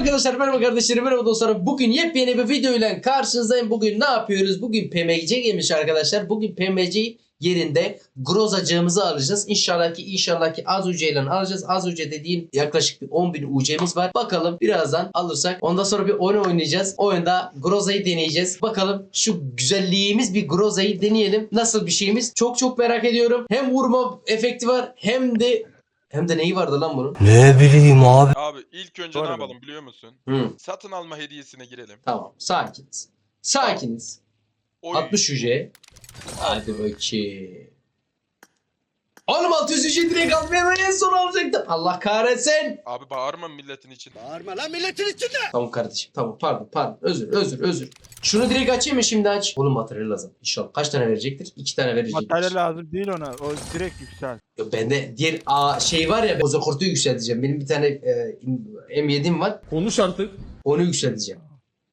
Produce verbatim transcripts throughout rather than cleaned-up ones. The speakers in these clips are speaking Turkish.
arkadaşlar, merhaba kardeşlerim, merhaba dostlarım. Bugün yepyeni bir video ile karşınızdayım. Bugün ne yapıyoruz? Bugün P M C gelmiş arkadaşlar. Bugün P M C yerinde grozacığımızı alacağız. İnşallah ki inşallah ki az ucu ile alacağız. Az ucu dediğim yaklaşık bir on bin U C'miz var. Bakalım birazdan alırsak ondan sonra bir oyun oynayacağız. Oyunda grozayı deneyeceğiz. Bakalım şu güzelliğimiz bir grozayı deneyelim. Nasıl bir şeyimiz? Çok çok merak ediyorum. Hem vurma efekti var hem de hem de neyi vardı lan bunun? Ne bileyim abi. Abi ilk önce Doğru ne mu? yapalım biliyor musun? Hı. Satın alma hediyesine girelim. Tamam. Sakiniz. Sakiniz. Oy. altmış U C. Hadi bakayım. Oğlum altı yüz U C direkt almaya en son alacaktım. Allah kahretsin. Abi bağırma milletin için. Bağırma lan milletin içinde. Tamam kardeşim. Tamam pardon pardon. Özür özür özür. Şunu direkt açayım mı şimdi aç. Oğlum materyal lazım. İnşallah. Kaç tane verecektir? İki tane verecektir. Materyal lazım değil ona. O direkt yüksel. Yo, bende diğer a, şey var ya. Boza kurtu yükselteceğim. Benim bir tane e, M yedi'm var. Konuş artık. Onu yükselteceğim.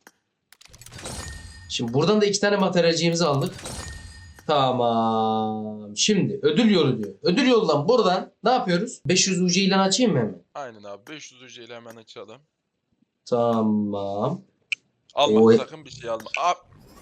Şimdi buradan da iki tane materyalciğimizi aldık. Tamam. Şimdi ödül yolu diyor. Ödül yoldan buradan ne yapıyoruz? beş yüz U C ilan açayım mı hemen? Aynen abi beş yüz U C ile hemen açalım. Tamam. Alma Oy. sakın bir şey alma. Abi,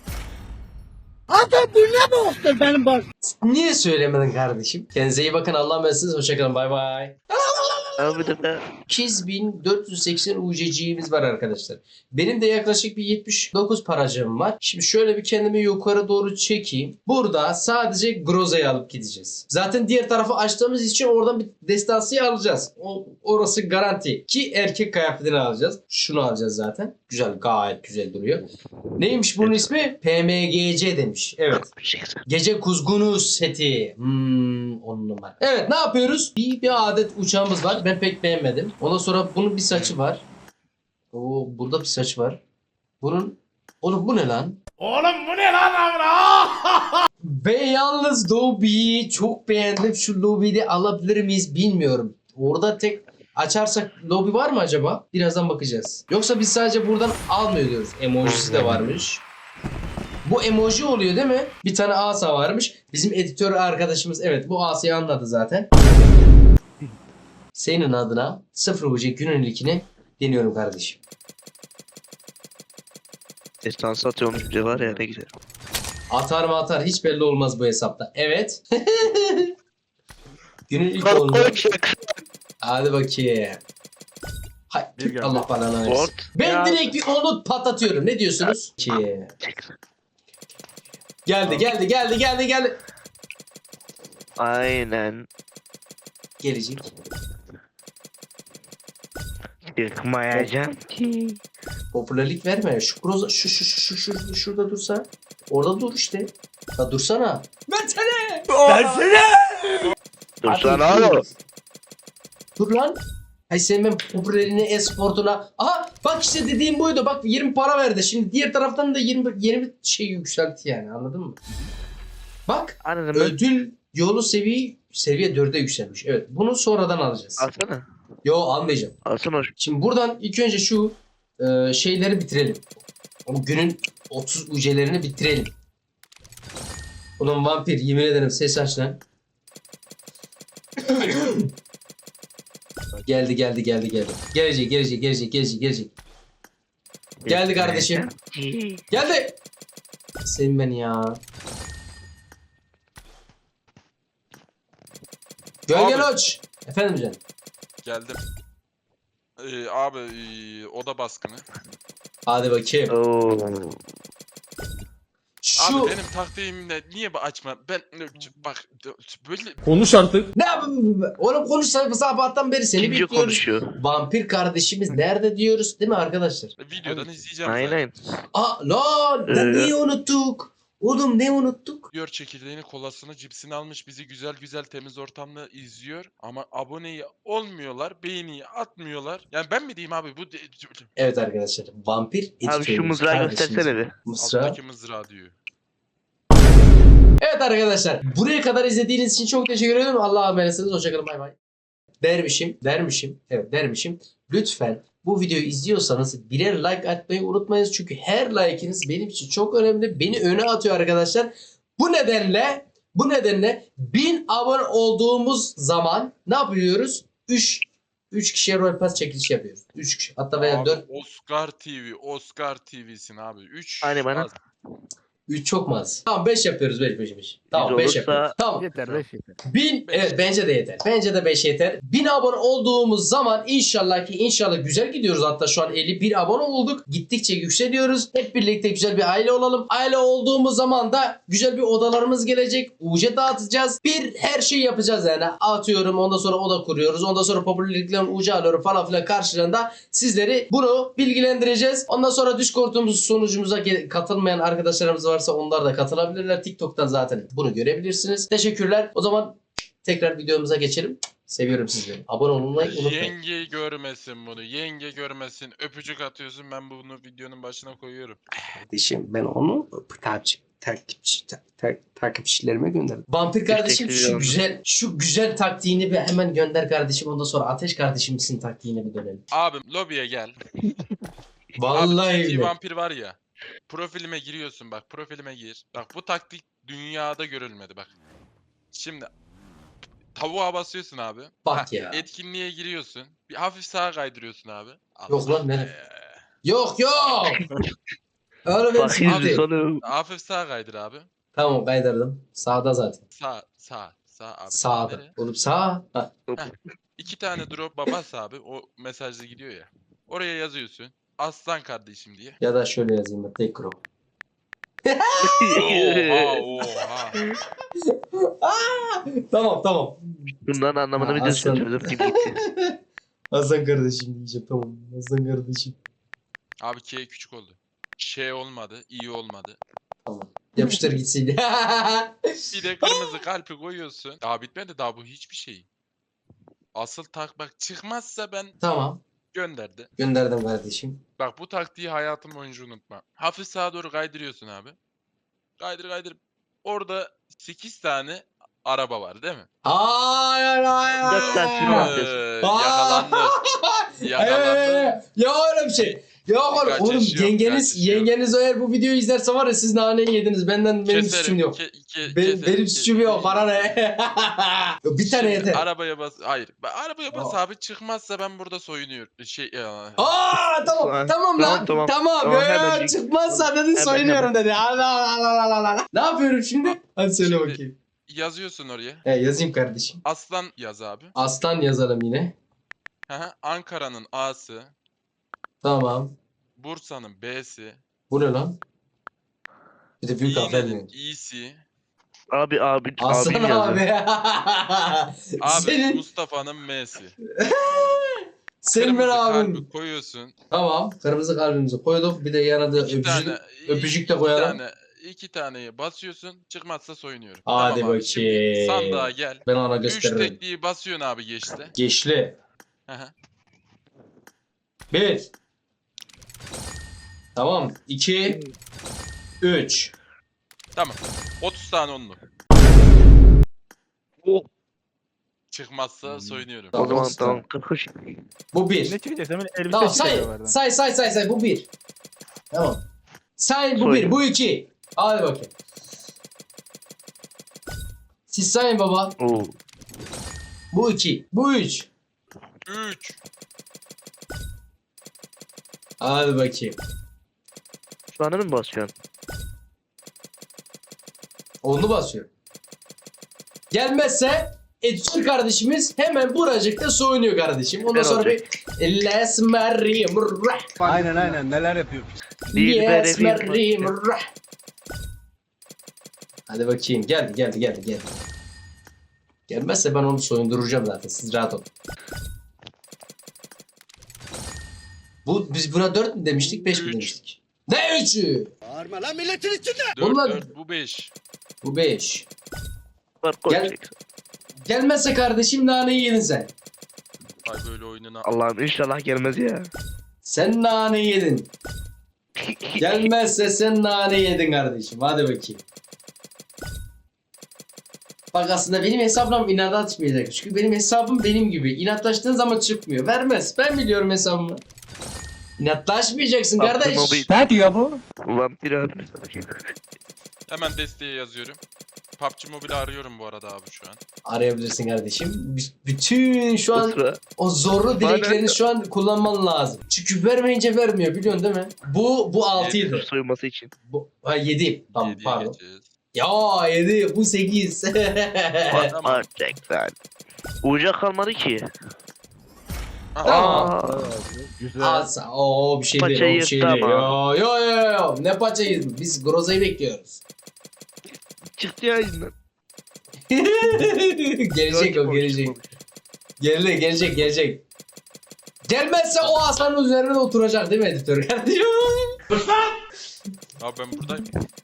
Niye söylemedin kardeşim? Kendinize iyi bakın. Allah'a emanetsiniz. Hoşçakalın. Bay bay. Abi de be. sekiz bin dört yüz seksen U C'ciğimiz var arkadaşlar. Benim de yaklaşık bir yetmiş dokuz paracığım var. Şimdi şöyle bir kendimi yukarı doğru çekeyim. Burada sadece Groza'yı alıp gideceğiz. Zaten diğer tarafı açtığımız için oradan bir destansıyı alacağız. O, orası garanti. Ki erkek kıyafetini alacağız. Şunu alacağız zaten. Güzel, gayet güzel duruyor. Neymiş bunun ismi? P M G C demiş. Evet. Gece kuzgunu seti. Hmm, on numara. Evet, ne yapıyoruz? Bir, bir adet uçağımız var. Ben pek beğenmedim. Ondan sonra bunun bir saçı var. Oo, burada bir saç var. Bunun... Oğlum bu ne lan? Oğlum bu ne lan amına? Ben yalnız lobiyi çok beğendim. Şu lobiyi de alabilir miyiz bilmiyorum. Orada tek açarsak lobi var mı acaba? Birazdan bakacağız. Yoksa biz sadece buradan almıyor diyoruz. Emojisi de varmış. Bu emoji oluyor değil mi? Bir tane asa varmış. Bizim editör arkadaşımız evet bu asayı anladı zaten. Senin adına sıfır U C günün ilkini deniyorum kardeşim. Destansı atıyormuş biri var ya ne güzel. Atar mı atar hiç belli olmaz bu hesapta. Evet. Günün ilk oldu. Hadi bakayım. Hay, Bir geldi. Allah bana versin. Word. Ben Ya. direkt bir onu patlatıyorum. Ne diyorsunuz? Ki. Geldi geldi geldi geldi geldi. Aynen. Gelecek. Çıkmayacağım ki. Popülerlik verme. Şu groza şu şu şu şu, şu şurada dursa. Orada dur işte. Ya dursana. Versene. Versene. Dursana Hadi, oğlum. Dur lan. Hay senin ben popülerliğine, e-sportuna. Aha bak işte dediğim buydu. Bak yirmi para verdi. Şimdi diğer taraftan da yirmi yeni bir şey yükseltti yani. Anladın mı? Bak. Anladım. Ödül yolu seviye seviye dörde yükselmiş. Evet. Bunu sonradan alacağız. Alsana. Yo almayacağım. Alsana. Şimdi buradan ilk önce şu e, şeyleri bitirelim. O günün otuz U C'lerini bitirelim. Ulan vampir yemin ederim ses aç lan. Geldi geldi geldi geldi. Gelecek gelecek gelecek gelecek gelecek. Geldi kardeşim. Geldi. Sevin beni ya. Gölge Loç. Efendim canım. geldim. Ee, abi ee, oda baskını. Hadi bakayım. Oo. Şu Abi benim taktiğimle niye bu açma? Ben bak böyle Konuş artık. ne yapayım? Oğlum konuş sabahtan beri seni Kimce bekliyoruz. konuşuyor. Vampir kardeşimiz nerede diyoruz değil mi arkadaşlar? videodan izleyeceğim zaten. Aynen. Aa lan lan Ee, neyi unuttuk? Oğlum ne unuttuk? Diyor çekirdeğini, kolasını, cipsini almış bizi güzel güzel temiz ortamda izliyor ama aboneyi olmuyorlar, beğeniyi atmıyorlar. Yani ben mi diyeyim abi bu de- Evet arkadaşlar vampir Abi şu editörümüz, mızrağı kardeşimiz. göstersene bir. Mısra. alttaki mızrağı diyor. Evet arkadaşlar buraya kadar izlediğiniz için çok teşekkür ederim. Allah'a emanetsiniz. Hoşçakalın bay bay. Dermişim, dermişim, evet dermişim. Lütfen bu videoyu izliyorsanız birer like atmayı unutmayınız. Çünkü her like'iniz benim için çok önemli. Beni öne atıyor arkadaşlar. Bu nedenle, bu nedenle bin abone olduğumuz zaman ne yapıyoruz? üç üç kişiye Royal Pass çekiliş yapıyoruz. üç kişi. Hatta veya Abi, dört. Oscar T V, Oscar T V'sin abi. üç Hani bana? üç çok mu az? Tamam beş yapıyoruz beş beş beş. Tamam beş olursa- yapıyoruz. Tamam. Yeter beş yeter. bin Beş. evet bence de yeter. Bence de beş yeter. bin abone olduğumuz zaman inşallah ki inşallah güzel gidiyoruz. Hatta şu an elli bir abone olduk. Gittikçe yükseliyoruz. Hep birlikte güzel bir aile olalım. Aile olduğumuz zaman da güzel bir odalarımız gelecek. U C dağıtacağız. Bir her şeyi yapacağız yani. Atıyorum ondan sonra oda kuruyoruz. Ondan sonra popülerliklerin U C alıyoruz falan filan karşılığında sizleri bunu bilgilendireceğiz. Ondan sonra Discord'umuz sunucumuza ge- katılmayan arkadaşlarımız varsa onlar da katılabilirler. TikTok'tan zaten bunu görebilirsiniz. Teşekkürler. O zaman tekrar videomuza geçelim. Seviyorum sizleri. Abone olmayı unutmayın. Yenge görmesin bunu. Yenge görmesin. Öpücük atıyorsun. Ben bunu videonun başına koyuyorum. Kardeşim ben onu takipçi takipçi ta- ta- takipçilerime gönderdim. Vampir kardeşim Teşekkür şu ederim. güzel şu güzel taktiğini bir hemen gönder kardeşim. Ondan sonra Ateş kardeşimizin taktiğine bir dönelim. Abim lobiye gel. Vallahi Abi T T öyle. vampir var ya. Profilime giriyorsun bak. Profilime gir. Bak bu taktik dünyada görülmedi bak. Şimdi tavuğa basıyorsun abi. Bak ya. Etkinliğe giriyorsun. Bir hafif sağa kaydırıyorsun abi. Yok lan, ne- be. Yok yok. Öyle bir Bakayım sıkıntı yok. sonu. Hafif sağa kaydır abi. Tamam kaydırdım. Sağda zaten. Sağ sağ sağ abi. Sağda. Nereye? Oğlum sağ. Ha. İki tane drop bas abi. O mesajda gidiyor ya. Oraya yazıyorsun. Aslan kardeşim diye. Ya da şöyle yazayım ben. Tek crop. Oha oha. Tamam tamam. Bundan anlamını Ha, biliyorsun. aslan. Çözüm gibi gitti. Hasan kardeşim diyeceğim tamam. Hasan kardeşim. Abi K küçük oldu. Şey olmadı. İyi olmadı. Tamam. Yapıştır gitsin. Bir de kırmızı kalpi koyuyorsun. Daha bitmedi daha bu hiçbir şey. Asıl tak bak çıkmazsa ben Tamam. gönderdi. Gönderdim kardeşim. Bak bu taktiği hayatım boyunca unutma. Hafif sağa doğru kaydırıyorsun abi. Kaydır kaydır. Orada sekiz tane araba var değil mi? Hayır hayır hayır. Dört tane sürü var. Ee, Aa! yakalandı. Yakalandı. Ya öyle bir şey. Yok oğlum, Kaç oğlum yaş yok, yengeniz kaç yaş yok. yengeniz eğer bu videoyu izlerse var ya siz naneyi yediniz. Benden benim Keserim, suçum yok. ke- ke- Benim, keserim, benim ke- suçum yok. Bana ne? bir tane Şimdi yeter. Arabaya bas. Hayır. Ben arabaya bas Aa. abi çıkmazsa ben burada soyunuyorum. Şey ya. Aa tamam Tamam, tamam lan tamam, tamam, tamam. tamam, Ya, hemen- çıkmazsa dedi Hemen, soyunuyorum dedi. Allah Allah Allah Allah. Ne yapıyorum şimdi? Hadi söyle Şimdi- bakayım. Yazıyorsun oraya. He, yazayım kardeşim. Aslan yaz abi. Aslan yazalım yine. Hı hı. Ankara'nın A'sı, Tamam. Bursa'nın B'si, Bu ne lan? Bir de büyük harfler İğne'nin mi? İ'si, Abi abi Aslan abim yazdı. abi. abi senin Mustafa'nın M'si. senin ben Kırmızı abim. kalbi koyuyorsun. Tamam. Kırmızı kalbimizi koyduk. Bir de yanında İki öpücük, tane, öpücük de iki koyalım. Tane, iki taneyi basıyorsun. Çıkmazsa soyunuyorum. Hadi Tamam abi, şimdi bakayım. sandığa gel. Ben ona Üç gösteririm. tekliği basıyorsun abi geçti. Geçli. Hı hı. Bir. Tamam. İki. Üç. Tamam. otuz tane onlu. Oh, Çıkmazsa soyunuyorum. o Tamam, zaman olsun. tamam. kırk. Bu bir. Ne çıkacak? Hemen elbise Tamam çıkacak say. oradan. Say say say say. Bu bir. Tamam. Say bu Soy. bir. Bu iki. Hadi bakayım. Siz sayın baba. Oo. Bu iki. Bu üç. üç. Hadi bakayım. Şu anda mı basıyorsun? Onu basıyor. Gelmezse Edson kardeşimiz hemen buracıkta soyunuyor kardeşim. Ondan Ben sonra olacak. bir Les Marie Murrah. Aynen aynen neler yapıyor. Yes Dilber Marie Efe'yi- Murrah. Hadi bakayım. Geldi geldi geldi geldi. Gelmezse ben onu soyunduracağım zaten. Siz rahat olun. Bu biz buna dört mü demiştik, beş mi Üç. demiştik? Ne üçü? Bağırma lan milletin içinde. dört, Bunlar- dört, bu beş. Bu beş. Var Gel. koyacak. Gelmezse kardeşim naneyi yedin sen. Ay böyle oyununa. Allah'ım inşallah gelmez ya. Sen nane yedin. Gelmezse sen nane yedin kardeşim. Hadi bakayım. Bak aslında benim hesabım inat atmayacak. Çünkü benim hesabım benim gibi. İnatlaştığın zaman çıkmıyor. Vermez. Ben biliyorum hesabımı. İnatlaşmayacaksın kardeş. Aklıma bir Ne diyor bu? vampir abi. Hemen desteğe yazıyorum. P U B G Mobile arıyorum bu arada abi şu an. Arayabilirsin kardeşim. B- bütün şu O an sıra. o zorlu Bana- dileklerini şu an kullanman lazım. Çünkü vermeyince vermiyor biliyorsun değil mi? Bu bu altıydı. Soyulması için. Bu ha yedi. Tamam Yediye pardon. geçeceğiz. Ya yedi bu sekiz. Tamam. Gerçekten. Uca kalmadı ki. Aha. Aa. Güzel. Asa o bir şey değil, o Paçayı bir şey yırttı değil. ama. Yo yo yo yo. Ne paçayı? Biz Groza'yı bekliyoruz. Çıktı ya yüzünden. gelecek o gelecek. Gelecek gelecek gelecek. Gelmezse o aslanın üzerine oturacak değil mi editör kardeşim? Abi ben buradayım.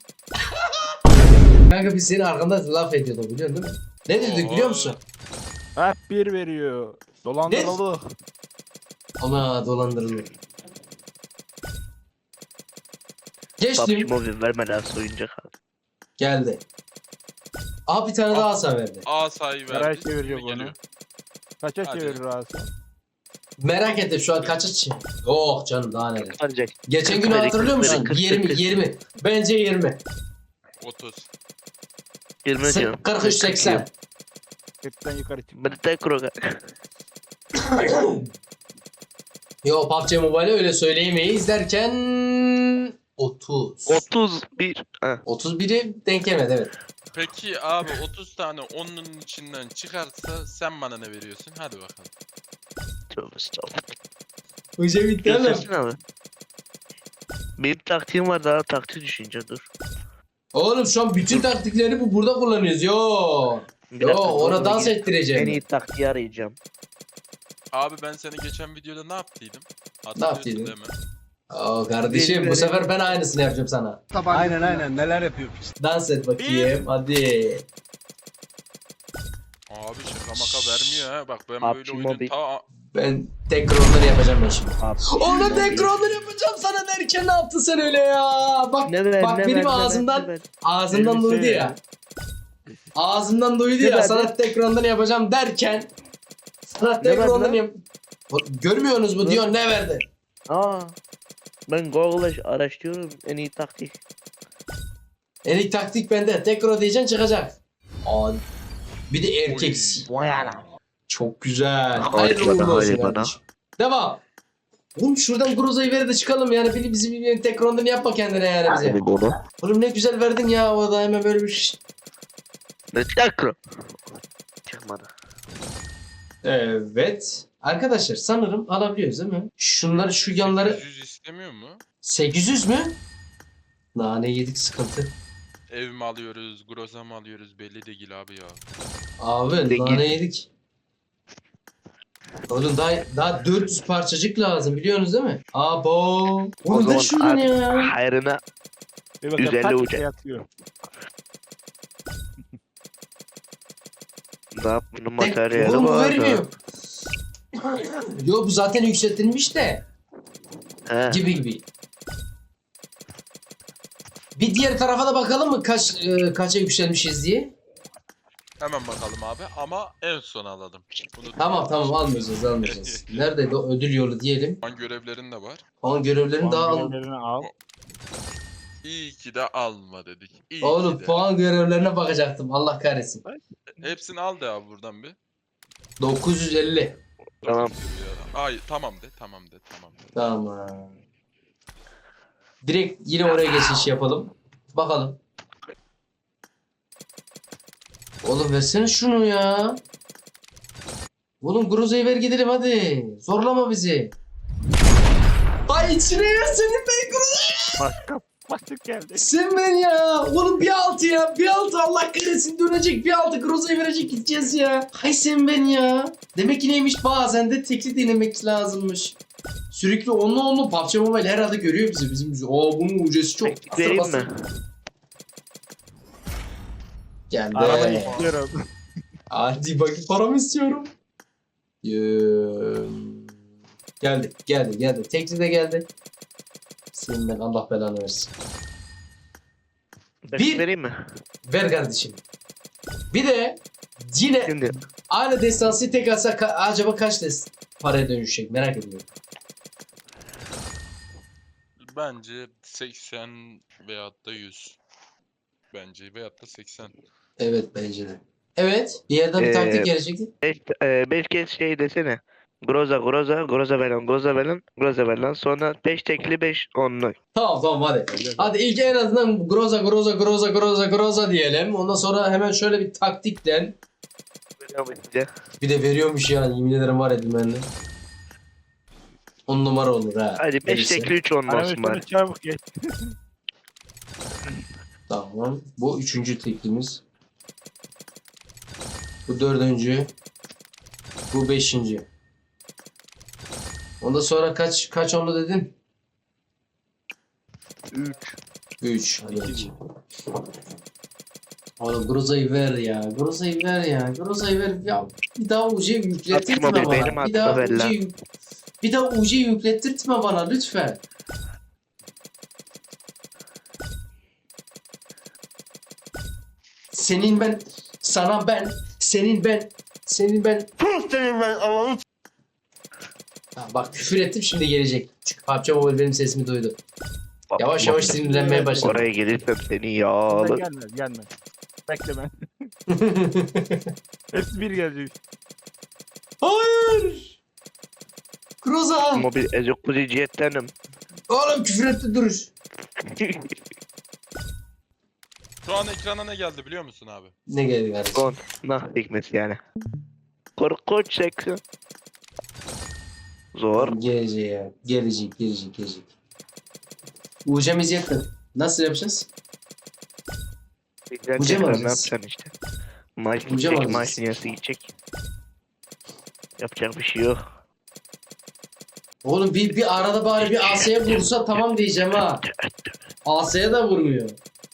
Kanka biz senin arkanda laf ediyorduk biliyorsun değil mi? Ne dedik biliyor musun? Hep bir veriyor. Dolandırıldı. Ana dolandırılıyor. P U B G Geçtim. Mobile vermeden soyunca kaldı. Geldi. Aha bir tane daha asa verdi. Asayı verdi. Karar çeviriyor Şimdi bunu. geliyor. Kaça Hadi. çevirir Asım? Merak ettim şu an kaça çi? Oh canım daha neler. Ancak Geçen gün kırk, hatırlıyor kırk, musun? kırk, yirmi kırk. yirmi. Bence yirmi. otuz. yirmi diyorum. kırk üç seksen. kırktan yukarı çık. Ben de tek kroga. Yo P U B G Mobile öyle söyleyemeyiz derken otuz. otuz bir. Ha. otuz biri denk gelmedi evet. Peki abi otuz tane onun içinden çıkarsa sen bana ne veriyorsun? Hadi bakalım. Tövbe estağfurullah. Hoca bitti oğlum. Göstersin abi. Benim taktiğim var, daha taktiği düşünce dur. Oğlum şu an bütün taktikleri bu burada kullanıyoruz. Yo. Bir Yo dakika, ona dur, dans gidip ettireceğim. En iyi taktiği arayacağım. Abi ben seni geçen videoda ne yaptıydım? Ne yaptıydın? Hatırlıyorsun değil mi? Oo kardeşim bu sefer ben aynısını yapacağım sana. Aynen aynen neler yapıyor piç. Dans et bakayım hadi. Abi şaka maka vermiyor ha. Bak ben P U B böyle G oyunun Mobile. ta... Ben tekrar onları yapacağım ben şimdi. Abi, Onu tekrar onları yapacağım sana derken ne yaptın sen öyle ya? Bak Ne ver, bak ne benim ver, ne ver, ağzımdan ne ver. ağzımdan Elbise duydu ya. ya. Ağzımdan duydu Ne ya verdi? sana ekrandan yapacağım derken sana verdi ekrandan lan? yap. O- Görmüyorsunuz mu Ne? diyor ne verdi? Aa. Ben Google'da araştırıyorum en iyi taktik. En iyi taktik bende. Tekrar diyeceksin çıkacak. Aa, bir de erkek. Vay ana. Çok güzel. Hadi Hayırlı bana, uğurlu olsun hadi bana. kardeşim. Devam. Oğlum şuradan Groza'yı ver de çıkalım yani. Biri bizim bir tekrar yapma kendine yani bize. Hadi bunu. Oğlum ne güzel verdin ya o da hemen böyle bir şey. Ne tekrar? Çıkmadı. Evet. Arkadaşlar sanırım alabiliyoruz değil mi? Şunları şu yanları sekiz yüz istemiyor mu? sekiz yüz mü? Nane yedik sıkıntı. Ev mi alıyoruz, groza mı alıyoruz belli değil abi ya. Abi Peki. nane yedik. Oğlum daha, daha dört yüz parçacık lazım biliyorsunuz değil mi? Abo. O Oğlum ver zaman şuradan artık ya. hayrına Bir bakalım yüz elli kaç uca. kişi yatıyor. ne yap bunun Tek, materyali oğlum bu var vermiyor. da. Yo bu zaten yükseltilmiş de. He. Gibi gibi. Bir diğer tarafa da bakalım mı kaç e, kaça yükselmişiz diye. Hemen bakalım abi ama en son alalım. Bunu Tamam tamam almayacağız almayacağız. Neredeydi o ödül yolu diyelim. Puan görevlerin de var. Onun görevlerini daha al. Görevlerini al. İyi ki de alma dedik. İyi Oğlum ki de. puan görevlerine bakacaktım. Allah kahretsin. Hepsini al de abi buradan bir. dokuz yüz elli. Tamam. Ay tamam de tamam de tamam de. Tamam. Direkt yine oraya geçiş yapalım. Bakalım. Oğlum versene şunu ya. Oğlum Groza'yı ver gidelim hadi. Zorlama bizi. Ay içine ya senin ben Groza'yı. Başka. Başlık geldi. Sen ben ya. Oğlum bir altı ya. Bir altı Allah kahretsin dönecek. Bir altı Groza'yı verecek gideceğiz ya. Hay sen ben ya. Demek ki neymiş bazen de tekli denemek lazımmış. Sürekli onunla onunla P U B G Mobile herhalde görüyor bizi. Bizim bizi. Oo bunun ucesi çok. Teknik vereyim Bastır, mi? bastır. Geldi. Arabayı istiyorum. Hadi bakayım paramı istiyorum. Yee. Geldi, geldi, geldi. Tekli de geldi. Senin ben Allah belanı versin. Bir. Bir- Vereyim mi? Ver kardeşim. Bir de yine Şimdi. aynı destansı tek alsa ka- acaba kaç des paraya dönüşecek merak ediyorum. Bence seksen veyahut da yüz. Bence veyahut da seksen. Evet bence de. Evet. Bir yerden bir Ee, taktik gelecekti. Beş, e, beş kez şey desene. Groza groza groza veren groza veren groza veren sonra beş tekli beş onlu. Tamam tamam hadi. Hadi ilk en azından groza groza groza groza groza diyelim. Ondan sonra hemen şöyle bir taktikten. Bir de veriyormuş ya. Yemin ederim var ya dümenli. On numara olur ha. Hadi beş Verirse. tekli üç onlu Anam olsun bari. üstüne çabuk geç. Tamam. Bu üçüncü teklimiz. Bu dördüncü. Bu beşinci. Ondan sonra kaç kaç onlu dedin? üç. Üç. Hadi bakayım. Oğlum Groza'yı ver ya. Groza'yı ver ya. Groza'yı ver. Ya bir daha U C yüklettirtme Atma be, bana. benim Bir daha atma be U C lan. yük- Bir daha U C yüklettirtme bana lütfen. Senin ben, sana ben, senin ben, senin ben. Ha, bak küfür ettim şimdi gelecek. Çünkü P U B G Mobile benim sesimi duydu. Yavaş yavaş sinirlenmeye başladım. Oraya gelirsem seni Sen yağlı. gelmez gelmez. Bekle ben. Hepsi bir gelecek. Hayır. Groza. Mobil ezokuzi cihettenim. Oğlum küfür etti duruş. Şu an ekrana ne geldi biliyor musun abi? Ne geldi kardeşim? Gon. Nah hikmeti yani. Korkunç seksi. Zor. Gelecek ya. Gelecek, gelecek, gelecek. Ucamız yakın. Nasıl yapacağız? Güzel Uca mı tekrar ne alacağız? yapacaksın işte. Maaş Uca mı gidecek, alacağız? maaşın yarısı gidecek. Yapacak bir şey yok. Oğlum bir, bir arada bari bir Asya'ya vursa tamam diyeceğim ha. Asya'ya da vurmuyor.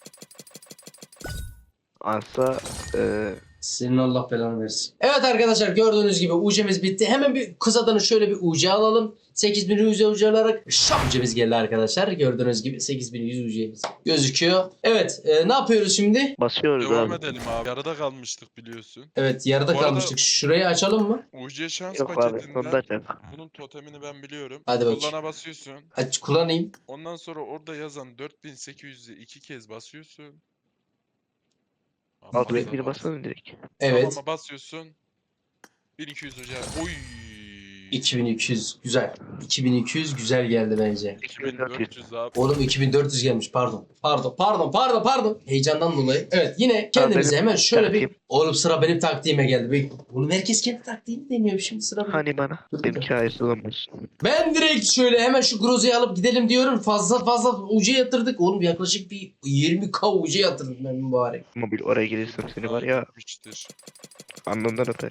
Asa eee Senin Allah belanı versin. Evet arkadaşlar gördüğünüz gibi U C'miz bitti. Hemen bir kısadan şöyle bir U C alalım. sekiz bin yüz U C alarak şap U C'miz geldi arkadaşlar. Gördüğünüz gibi sekiz bin yüz U C'miz gözüküyor. Evet e, ne yapıyoruz şimdi? basıyoruz Devam abi. edelim abi. Yarıda kalmıştık biliyorsun. Evet yarıda Bu arada- kalmıştık. Şurayı açalım mı? U C şans Yok abi sonunda paketinden açacak. bunun totemini ben biliyorum. Hadi bakayım. Kullana basıyorsun. Aç kullanayım. Ondan sonra orada yazan dört bin sekiz yüz'ü iki kez basıyorsun. Alt Buraya- bir basalım direkt. Evet. Tamama basıyorsun. bin iki yüz hocam. Oy. iki bin iki yüz güzel. iki bin iki yüz güzel geldi bence. iki bin dört yüz abi. Oğlum iki bin dört yüz gelmiş pardon. Pardon pardon pardon pardon. Heyecandan dolayı. Evet yine kendimize benim hemen şöyle bir... taktiğim. Oğlum sıra benim taktiğime geldi. Bir- Oğlum herkes kendi taktiğini deniyor şimdi sıra benim. Hani bana Dur, dur, benimki hayırlısı olmaz. Ben direkt şöyle hemen şu Groza'yı alıp gidelim diyorum. Fazla fazla U C yatırdık. Oğlum yaklaşık bir yirmi K U C yatırdım ben mübarek. Mobil oraya gelirsem seni var ya Gitmiştir. alnından öperim.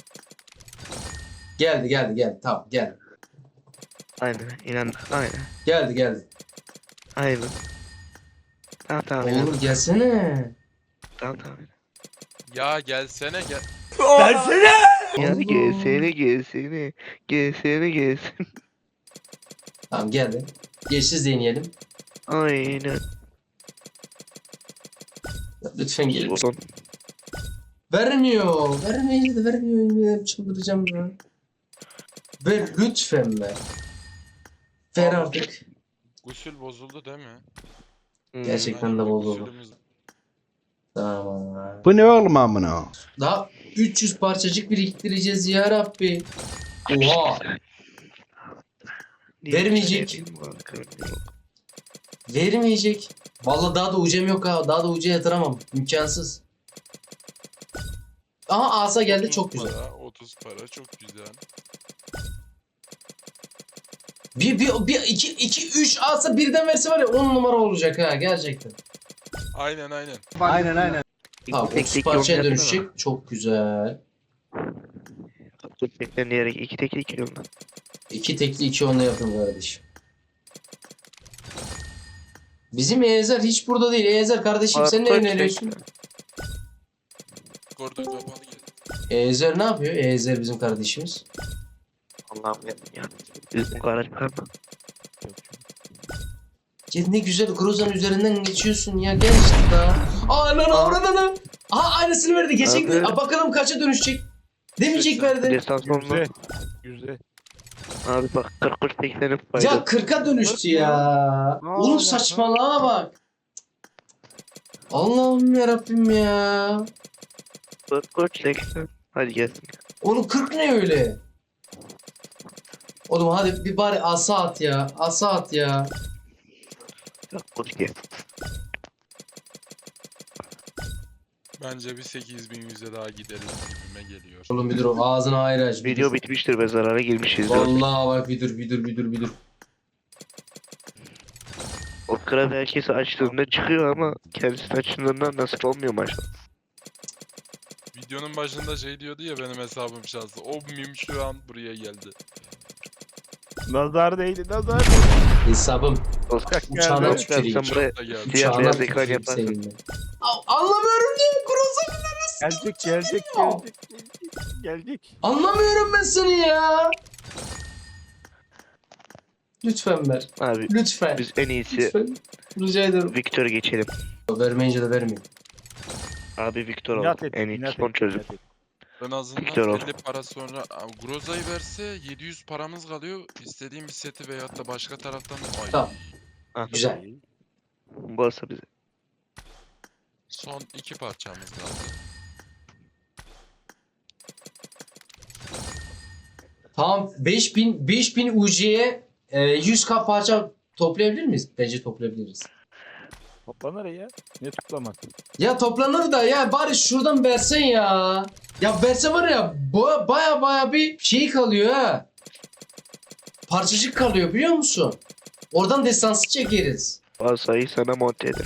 Geldi geldi geldi tamam geldi. Aynen inan aynen. Geldi geldi. Aynen. Tamam tamam inan. Oğlum gelsene. Tamam tamam. Ya gelsene gel. Ya Allah. gelsene gelsene. Gelsene gelsin. Tamam geldi. Geçsiz deneyelim. Aynen. Lütfen gelin. Son. Vermiyor. Vermiyor da vermiyor. Ya, çıldıracağım ya. Ver lütfen ver. Ver artık. Gusül bozuldu değil mi? Hmm. Gerçekten Aynen, de bir bozuldu. gusülümüz- Tamam. Bu ne oğlum amına? Daha üç yüz parçacık biriktireceğiz ya Rabbi. Oha. Vermeyecek. Vermeyecek. Vallahi daha da ucem yok ha. Daha da uca yatıramam. İmkansız. Aha asa geldi çok otuz güzel. Para, otuz para çok güzel. Bir, bir, bir, iki, iki, üç asa birden verse var ya on numara olacak ha gerçekten. Aynen aynen. Aynen aynen. Tamam otuz parçaya dönüşecek. Çok güzel. Tekten diyerek iki tekli iki yolda. İki tekli iki onla yapın kardeşim. Bizim Ezer hiç burada değil. Ezer kardeşim sen ne öneriyorsun? Gordon kapalı geldi. Ezer ne yapıyor? Ezer bizim kardeşimiz. Allah'ım ya. ya. Bizim garaj çıkarma. Ya ne güzel Groza'nın üzerinden geçiyorsun ya. Gel işte daha. Aa lan orada lan. Aha aynısını verdi. Geçen Abi. Aa, bakalım kaça dönüşecek. Demeyecek verdi. Desans olma. Güzel. Güzel. Abi bak kırk üç seksenin fayda. Ya kırka dönüştü ya. Ne Oğlum alaka? saçmalığa bak. Allah'ım yarabbim ya. Dört koç seksen. Hadi gelsin. Oğlum kırk ne öyle? Oğlum hadi bir bari asa at ya. Asa at ya. Dört koç gel. Bence bir sekiz bin yüze daha gideriz gibime geliyor. Oğlum bir dur o ağzını ayrı aç. bir Video dur. bitmiştir ve zarara girmişiz. Vallahi bak bir dur bir dur bir dur bir dur. O krab herkesi açtığında çıkıyor ama kendisi açtığında nasıl olmuyor maşallah. Videonun başında şey diyordu ya benim hesabım şanslı. O mim şu an buraya geldi. Nazar değdi nazar. Hesabım. Oscar Uçağına geldi. tüküreyim. sen buraya Da geldi. siyah Uçağına beyaz ekran tüküreyim yaparsın. seninle. A- Anlamıyorum diye Groza Gelecek gelecek gelecek. Gelecek. Anlamıyorum ben seni ya. Lütfen ver. Abi Lütfen. biz en iyisi Lütfen. Rica ederim. Victor geçelim. Vermeyince de vermeyin. Abi Victor İnat olduk. et. En iyi inat son et, çözüm. inat et. En azından Victor ol. elli para sonra Aa, Groza'yı verse yedi yüz paramız kalıyor. İstediğim bir seti veyahut da başka taraftan ay. Tamam. Ah, Güzel. Varsa bize. Son iki parçamız kaldı. Tamam beş bin beş bin U C'ye e, yüz K parça toplayabilir miyiz? Bence toplayabiliriz. Toplanır ya. Ne toplamak? Ya toplanır da ya bari şuradan versen ya. Ya verse var ya baya baya, baya bir şey kalıyor ha. Parçacık kalıyor biliyor musun? Oradan destansı çekeriz. Varsayı sana monte ederim.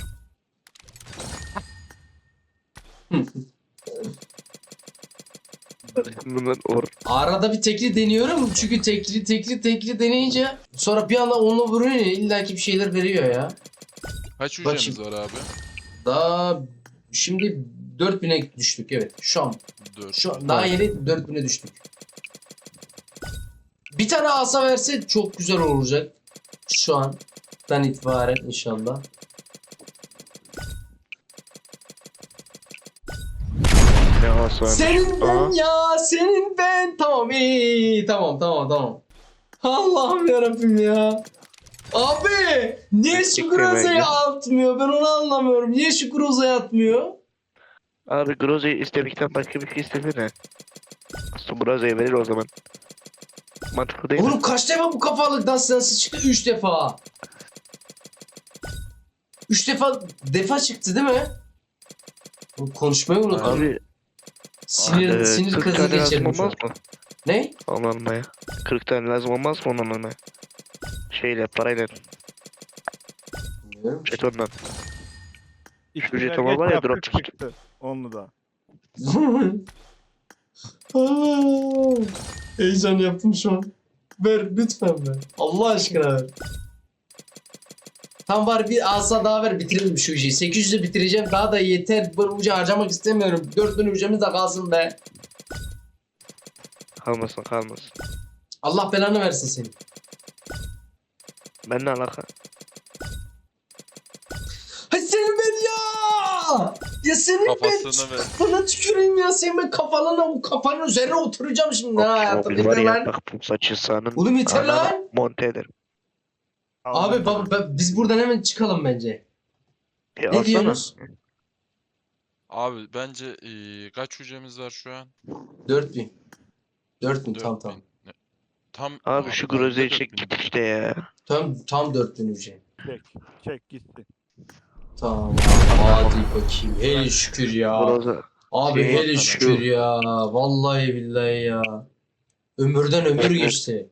Bundan or. Arada bir tekli deniyorum çünkü tekli tekli tekli deneyince sonra bir anda onunla vuruyor ya illaki bir şeyler veriyor ya. Kaç Bak hücremiz şimdi- var abi? Daha şimdi dört bine düştük evet şu an. dört. Şu an daha yeni dört bine düştük. Bir tane asa verse çok güzel olacak. Şu andan itibaren inşallah. Ne aslan. Senin ben Aa. ya senin ben. Tamam iyi tamam tamam tamam. Allah'ım yarabbim ya. Abi niye şu Tek Groza'yı temelde. atmıyor ben onu anlamıyorum. Niye şu Groza'yı atmıyor? Abi Groza'yı istemekten başka bir şey istedi ne? Aslında Groza'yı verir o zaman. Mantıklı değil mi? Oğlum kaç defa bu kafalıktan sensiz çıktı? Üç defa. Üç defa defa çıktı değil mi? Oğlum konuşmayı unuttum. Abi Sinir, eee, sinir kırk krizi tane lazım geçirdim şu an. olmaz mı? Ne? Onu almaya. kırk tane lazım olmaz mı onu almaya? Şeyle parayla. Bilmiyorum. Jetondan. İki Ücret erkek ama var ya, yaptık drop çıktı. çıktı. Onlu da. Aa, heyecan yaptım şu an. Ver lütfen ver. Allah aşkına ver. Tam var bir asa daha ver bitirelim şu işi. sekiz yüz'ü bitireceğim daha da yeter. Bu ucu harcamak istemiyorum. dört bin ucumuz da kalsın be. Kalmasın kalmasın. Allah belanı versin senin. Ben ne alaka? Hay senin ben ya! Ya senin ben Kafasını ver. kafana tüküreyim ya. Senin ben kafana o kafanın üzerine oturacağım şimdi ha hayatım. Mobil var Yeter ya lan. bak bu saçı sağının. Oğlum yeter anana lan. Monte ederim. Abi baba ben- biz buradan hemen çıkalım bence. E, Ne alsana. diyorsunuz? Abi bence eee, kaç hücremiz var şu an? dört bin. dört bin dört tam bin. tam. Ne- Tam Abi şu ben de Groza'yı dört çek bin. git işte ya. Tam tam dört bin ücret. Çek. Çek gitti. Tamam hadi bakayım. Hele şükür ya. Groza. Abi şey hele yapsana. şükür ya. Vallahi billahi ya. Ömürden ömür geçti.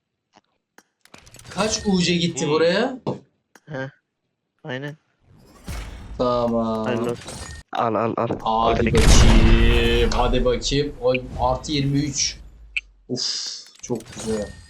Kaç U C gitti Hmm. buraya? Aynen. Tamam. Hayırlı olsun. Al al al. Hadi Direkt. bakayım. Hadi bakayım. Oy, artı yirmi üç. Uf çok güzel.